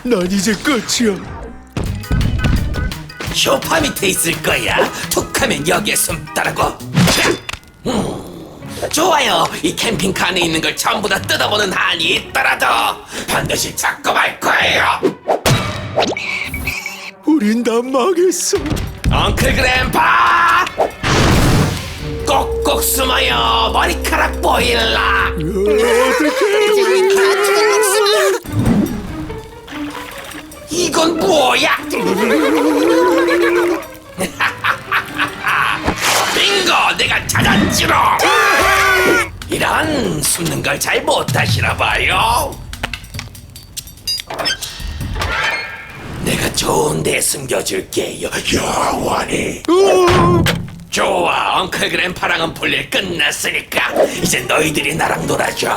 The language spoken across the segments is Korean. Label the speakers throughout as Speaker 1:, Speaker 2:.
Speaker 1: 난 이제 끝이야.
Speaker 2: 소파 밑에 있을 거야. 툭하면 여기에 숨더라고. 좋아요. 이 캠핑카 안에 있는 걸 전부 다 뜯어보는 한이 있더라도 반드시 잡고 말 거예요.
Speaker 1: 우린 다 망했어.
Speaker 2: 엉클 그램파! 꼭꼭 숨어요. 머리카락 보일라. 이건 뭐야? 빙고! 내가 찾았지롱! 이런 숨는 걸 잘 못하시나 봐요. 내가 좋은 데 숨겨줄게요, 영원히. 좋아, 엉클 그램파랑은 볼일 끝났으니까 이제 너희들이 나랑 놀아줘.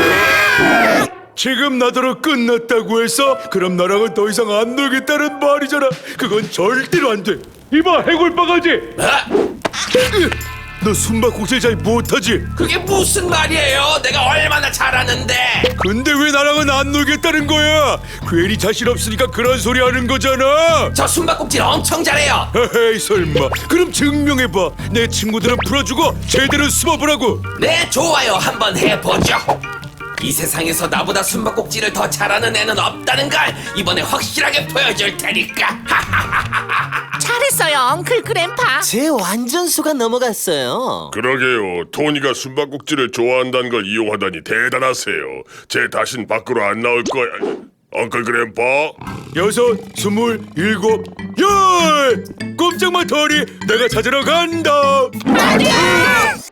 Speaker 1: 지금 나더러 끝났다고 해서 그럼 나랑은 더 이상 안 놀겠다는 말이잖아. 그건 절대로 안 돼. 이봐, 해골바가지.
Speaker 2: 어?
Speaker 1: 너 숨바꼭질 잘 못하지?
Speaker 2: 그게 무슨 말이에요? 내가 얼마나 잘하는데.
Speaker 1: 근데 왜 나랑은 안 놀겠다는 거야? 괜히 자신 없으니까 그런 소리 하는 거잖아.
Speaker 2: 저 숨바꼭질 엄청 잘해요.
Speaker 1: 헤헤이, 설마. 그럼 증명해봐. 내 친구들은 풀어주고 제대로 숨어보라고.
Speaker 2: 네, 좋아요. 한번 해보죠. 이 세상에서 나보다 숨바꼭질을 더 잘하는 애는 없다는 걸 이번에 확실하게 보여줄 테니까.
Speaker 3: 잘했어요, 엉클 그램파.
Speaker 4: 제 완전수가 넘어갔어요.
Speaker 5: 그러게요. 토니가 숨바꼭질을 좋아한다는 걸 이용하다니 대단하세요. 제 다신 밖으로 안 나올 거야. 엉클 그램파?
Speaker 1: 6, 27, 10. 꼼짝마 터리, 내가 찾으러 간다.
Speaker 3: 안돼!